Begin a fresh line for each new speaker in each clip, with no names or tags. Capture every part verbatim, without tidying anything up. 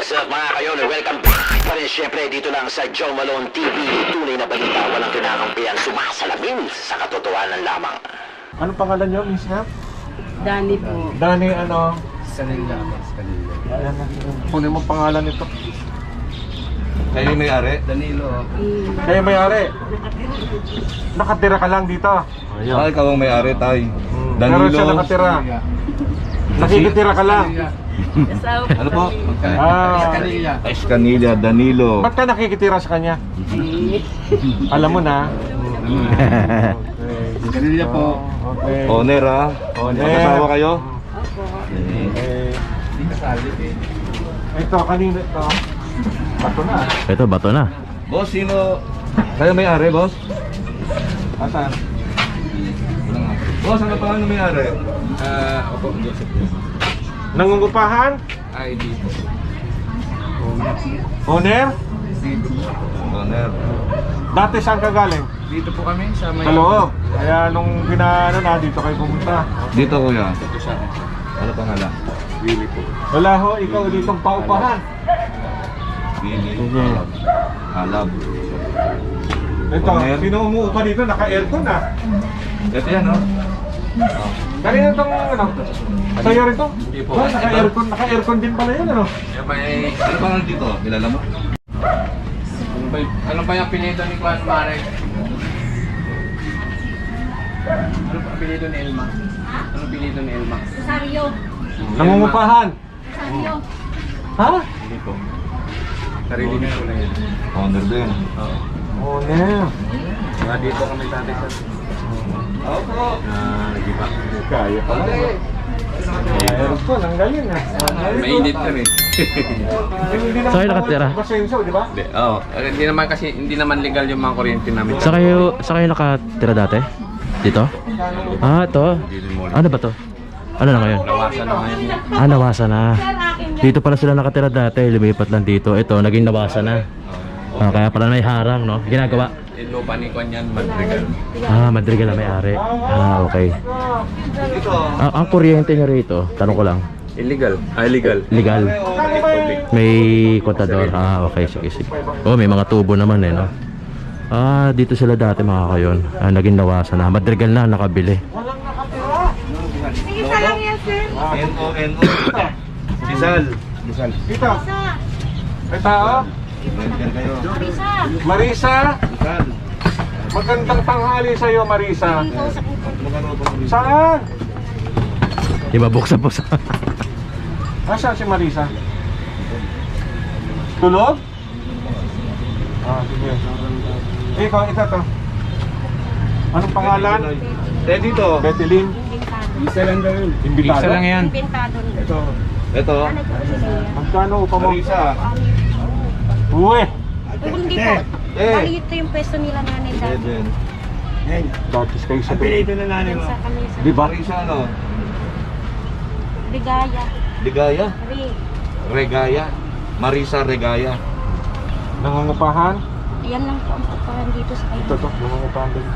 What's up mga kayon? Welcome back pa rin syempre dito lang sa Joe Malone T V. Tunay na balita, walang kinakampihan, sumasalamin sa katotohanan lamang.
Ano pangalan nyo, Miss Nap?
Dani po.
Dani, ano?
Kanila. Kanila.
Ayan, kunin mo pangalan nito.
Kayo yung may-ari? Danilo.
Mm.
Kayo may-ari. Nakatira ka lang dito.
Ay, ah, ikaw ang may-ari, tay.
Hmm.
Danilo.
Pero siya nakatira. Nakikitira ka lang.
Asawa po.
Ano po?
Ah,
Escanilla, Danilo.
ba't ka nakikitira sa kanya? Alam mo na.
Kanila po.
Okay.
Owner, ha?
Owner.
Mag-asawa kayo?
Opo.
Okay. Ito, kanina ito. Bato na.
Ito, bato na.
Boss, sino? Kayo may-ari, boss?
Asan?
Boss, ano pa ang may-ari?
Ah, opo, Joseph.
Nangungupahan?
I D po.
Owner?
Owner.
Dati saan ka galing?
Dito po kami sa may...
Sa loob. Kaya nung ginaano na, dito kayo pumunta.
Dito, kuya.
Dito sa akin.
Ano pangalan?
Willie po.
Wala ho, ikaw ditong paupahan.
Billy.
Sige.
Halab.
Ito,
Owner.
sino umuupa dito? Naka-aircon na.
Ito yan, no?
Kanina itong ano? Sa'yo rin to?
Hindi po.
Oh, naka-aircon, naka-aircon din pala yun, ano?
Yung may...
Ano pangalan dito? Kilala mo?
Ano ba, ano ba yung apelido ni Juan Mare? Ano ba apelido ni Elma? Ano apelido ni Elma?
Rosario.
Nangungupahan.
Rosario.
Ha?
Hindi po. Sarili niya ko lang yan.
Owner din.
Oo.
Owner.
Mga dito kami tatay sa...
Opo.
Ah, nag-iba.
Kaya pala. Aircon, ang galing ah.
Mainit ka rin.
Hindi naman
Saan kayo nakatira?
Basenso, di ba?
Hindi, oo. Eh, Hindi naman kasi, hindi naman legal yung mga kuryente namin.
Sa kayo, sa kayo nakatira dati? Dito? Ah, ito. Ano ba to? Ano na ngayon?
Nawasan na ngayon.
Ah, nawasa na. Dito pala sila nakatira dati, lumipat lang dito. Ito, naging nawasa na. Ah, kaya pala may harang, no? Ginagawa.
Yung lupa ni Juan yan, Madrigal.
Ah, Madrigal na may-ari. Ah, okay.
Dito.
Ah, ang kuryente nyo rito, tanong ko lang,
Illegal. Ah, illegal.
legal? May kontador? Ah, okay, sige, sige. Oh, may mga tubo naman eh, no? Ah, dito sila dati mga kayon. Ah, naging nawasa na. Madrigal na, nakabili.
Isa lang yan, sir.
N O N O. Rizal. Rizal.
Dito. May tao?
Yan kayo.
Marisa.
Marisa.
Rizal.
Magandang tanghali sa'yo, Marisa.
Kausap mo po.
Saan?
Di ba buksan po sa...
Nasaan si Marisa? Tulog? Ah, sige. Ikaw, ito to. Anong pangalan?
Eh, dito.
Betelin.
Inventado.
Isa lang daw yun.
Imbitado?
Isa lang yan.
Inventado.
Ito. Ito.
Ano po sila yan?
Magkano upa mo?
Marisa.
Uwe!
Hindi po.
Eh.
Bali ito yung pwesto nila nanay dati.
Eden.
Datis kayo sa
na nanay
Yan sa kami sa
Di ba?
Marisa, ano?
Ligaya.
Ligaya.
Ri.
Regaya. Marisa Regaya.
Nangungupahan?
Yan lang po ang paparan dito sa kayo.
Ito to, nangungupahan din.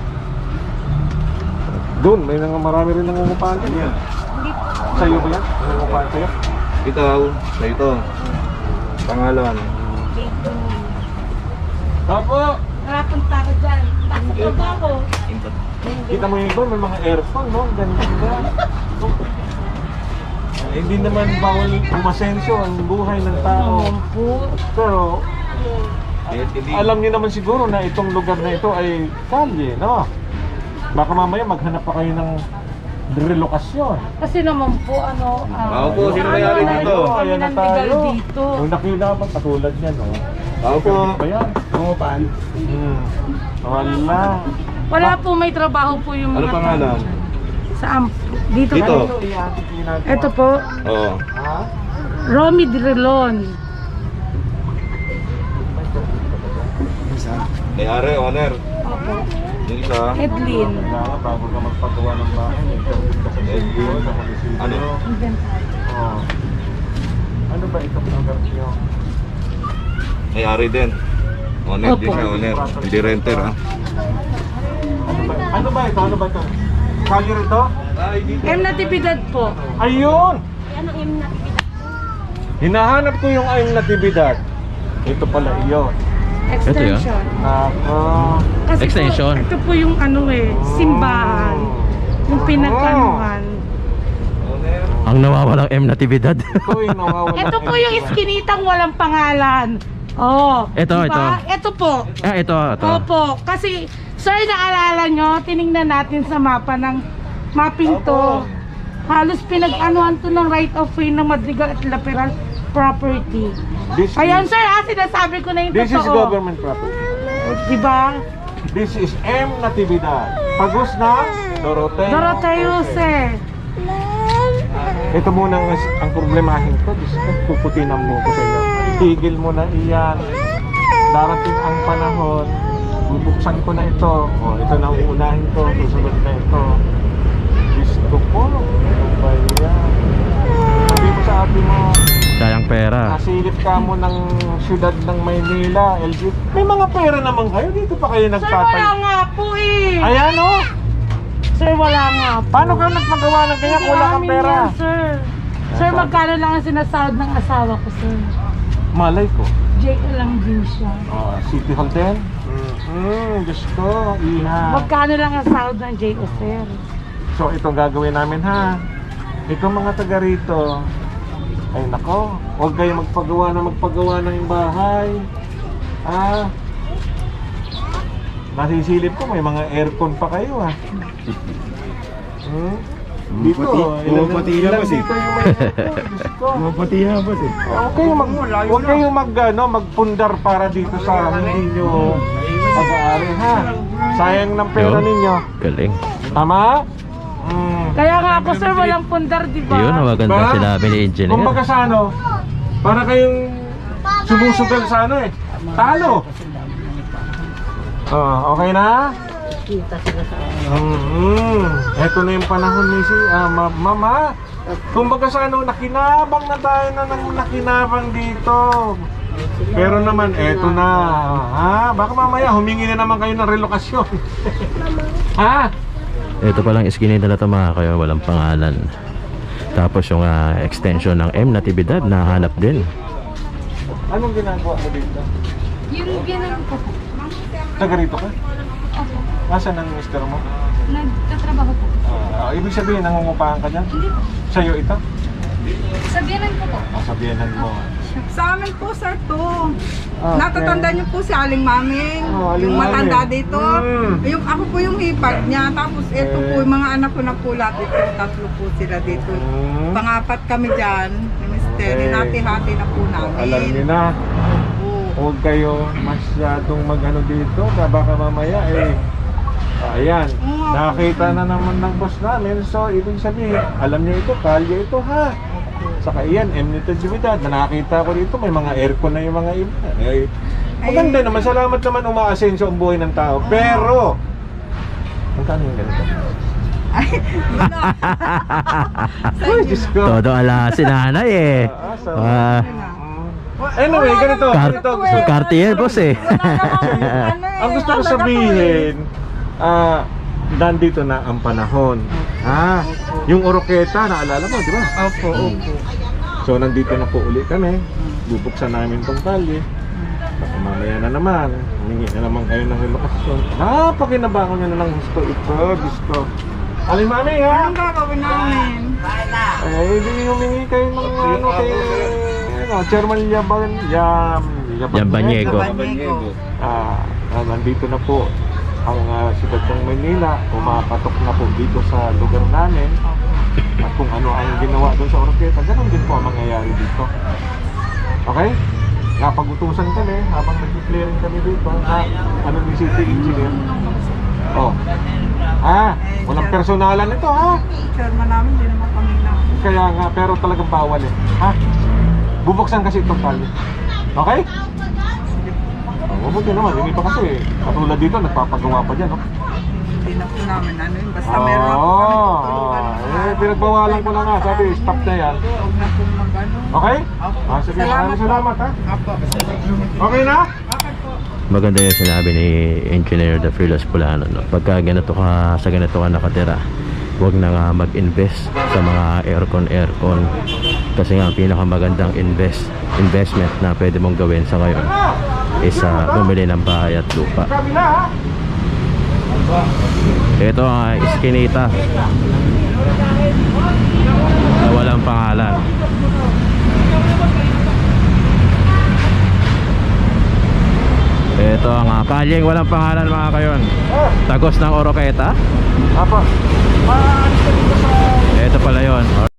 Doon, may nang marami rin nangungupahan din.
Hindi po.
Sa'yo ba yan? Nangungupahan sa'yo?
Ikaw. Sa ito. Pangalan.
Dito.
Opo!
Nakapunta ko dyan. Takot ba ako?
Kita mo yung iba, may mga aircon, no? Ganito ba? Eh, hindi naman bawal umasenso ang buhay ng tao. Pero, alam niyo naman siguro na itong lugar na ito ay kalye, no? Baka mamaya maghanap pa kayo ng relokasyon.
Kasi naman po, ano,
Ako po, sino may-ari dito?
Ayan na
Kami ng legal
tayo.
dito.
Kung nakita ba, katulad niyan, no?
Ako po.
Ba yan? Nangupahan? Hmm. Wala.
Wala po, may trabaho po yung
Ano
mga
pangalan?
sa amp. Dito.
Dito.
Ito, i-atik ginagawa.
Ito po,
Oo.
Ha?
Romy Drilon.
May-ari, owner.
Opo.
Yung isa.
Edlin.
Kailangan bago ka magpagawa ng bahay, interview ka sa sitio, sa munisipyo.
Ano?
Oh. Ano ba itong lugar niyo?
May-ari din. Owner din siya, owner. Hindi renter, ha?
Ano ba, ano ba ito? Ano ba ito? Kalye rito?
Ay, dito.
M Natividad po.
Ayun!
Yan ang M na
Hinahanap ko yung ayong natibidad. Ito pala iyon.
Extension.
Ako.
Kasi
Extension.
Po, ito po yung ano eh, simbahan. Yung pinagkanuhan.
Ang nawawalang M natividad.
Ito yung nawawala.
Ito po yung iskinitang walang pangalan. Oh.
Ito,
diba? Ito po.
ah, ito, ito.
Opo. Kasi, sir, naalala nyo, tiningnan natin sa mapa ng mapping to. Halos pinag-anuhan to ng right of way ng Madrigal at Laperal property.
This
Ayan,
is,
sir, ah, sinasabi ko na yung
this is
totoo.
government property.
Diba?
This is M Natividad. Pagos na Doroteo.
Doroteo, sir.
Ito muna ang, ang problemahin ko. Diyos ko, puputin ang buko sa inyo. Tigil mo na iyan. Darating ang panahon. Bubuksan ko na ito. O, ito na uunahin ko. Susunod na ito. Diyos ko po. Ano ba yan? Sabi mo sa ate mo,
Sayang pera.
nasilip ka mo ng syudad ng Maynila, L G. May mga pera naman kayo. Dito pa kayo
Sir, wala
nagtatay.
nga po eh.
Ayan o.
Sir, wala nga po.
Paano kayo nagpagawa ng kanya kung wala kang
Amin
pera?
yan, sir. Sir, magkano lang ang sinasahod ng asawa ko, sir?
Malay ko.
J L lang din siya.
Oh, City Hall din? Mm-hmm. Diyos ko, iha.
Magkano lang ang sahod ng J O, sir?
So, itong gagawin namin ha. Itong mga taga rito, ay nako, huwag kayo magpagawa na magpagawa ng bahay. Ah, nasisilip ko, may mga aircon pa kayo ha. Hmm? Dito,
Bumapati na, boss, eh.
dito yung may aircon, Diyos ko.
Pati ha, boss eh.
Huwag kayo mag, huwag kayo mag, ano, magpundar para dito sa hindi nyo pag-aari ha. Sayang ng pera
Yun.
ninyo.
Galing.
Tama? Mm.
Kaya nga ako, sir, walang pundar, di ba?
Yun ang maganda
Ba?
sinabi ni engineer.
Kumbaga sa ano, para kayong sumusugal sa ano eh. Talo. Oh, okay na? Mm-hmm. Ito na yung panahon ni si ah, ma- Mama. Kumbaga sa ano, nakinabang na tayo na nang nakinabang dito. Pero naman, eto na. Ha? Baka mamaya humingi na naman kayo ng relokasyon. Ha?
Ito palang iskinita na ito mga kayo, walang pangalan. Tapos yung ah, extension ng M natividad na hanap din.
Anong ginagawa mo dito?
Yung ganun po po.
Taga rito ka?
Opo.
Nasaan ang mister mo?
Nagtatrabaho po.
Ah, ibig sabihin, nangungupahan ka dyan?
Hindi po.
Sa'yo ito?
Sabihanan ko po.
Ah, sabihanan mo.
Sa amin po, sir, to.
Ah,
Natatanda niyo po si Aling Maming,
Oh, Aling
yung matanda
Maming.
dito.
Mm.
Yung ako po yung hipag niya. Tapos ito
Eh.
po, yung mga anak ko na po lahat dito. Tatlo po sila dito.
Mm.
Pangapat kami dyan. Ni mister,
Okay.
hinati-hati na po namin.
Alam niyo na,
Oo.
huwag kayo masyadong mag-ano dito. na Baka mamaya eh, ah, ayan,
Oo.
nakita na naman ng boss namin. So, ibig sabihin, alam niyo ito, kalye ito ha. Saka iyan, emnitadjibidad, na nakita ko dito, may mga aircon na yung mga iba. Eh, maganda naman, salamat naman umaasenso ang buhay ng tao. Pero, magkano yung ganito?
Ay, yun na.
Ay, Diyos ko.
Todo ala si nanay eh.
Ah, so,
Ah,
anyway, ganito,
Car-
ganito. Gusto,
Cartier boss eh.
Ano eh,
ang gusto ko
ano na po eh.
sabihin, ah, nandito na ang panahon. Ha? Yung Oroqueta, naalala mo, di ba?
Opo, opo.
So, nandito na po uli kami. Bubuksan namin tong kalye. Baka mamaya na naman, humingi na naman kayo ng relokasyon. Napakinabangon nyo na ng gusto ito, gusto. Aling mami, ha?
Anong gagawin namin?
Eh, hindi humingi kayo ng ano kay ano, Chairman Yaban, Yam,
Yambanyego.
Banyego.
Ah, ah, nandito na po ang uh, siyudad ng Manila, pumapatok na po dito sa lugar namin. At kung ano ang ginawa doon sa Oroqueta, ganun din po ang mangyayari dito. Okay? Napag-utusan kami habang nag-clearing kami dito. Ha? Ano ni City Engineer? Oh. Ah, walang personalan ito ha.
Chairman namin, hindi naman kami na.
Kaya nga, pero talagang bawal eh. Ha? Bubuksan kasi itong tali. Okay? Oh, mabuti naman, hindi pa kasi. Katulad dito, nagpapagawa pa dyan, no?
Hindi na po namin ano yun. Basta meron lang po kami
Oo.
tutulungan.
Oh, eh, pinagbawalan ko na nga. Sabi, stop na yan.
Huwag na po mag-ano.
Okay?
Opo.
Ah, sige,
Salamat
maraming
po.
salamat ha.
Opo.
Okay na?
Okay po.
Maganda yung sinabi ni Engineer The Fearless Pulano, no? Pagka ganito ka, sa ganito ka nakatira, huwag na nga mag-invest sa mga aircon aircon Kasi nga ang pinakamagandang invest investment na pwede mong gawin sa ngayon is uh, bumili ng bahay at lupa. Ito ang uh, iskinita na walang pangalan. Ito ang uh, kalyeng walang pangalan mga kayon. Tagos ng Oroqueta.
Apa? Maalis ka dito sa...
Ito pala yon.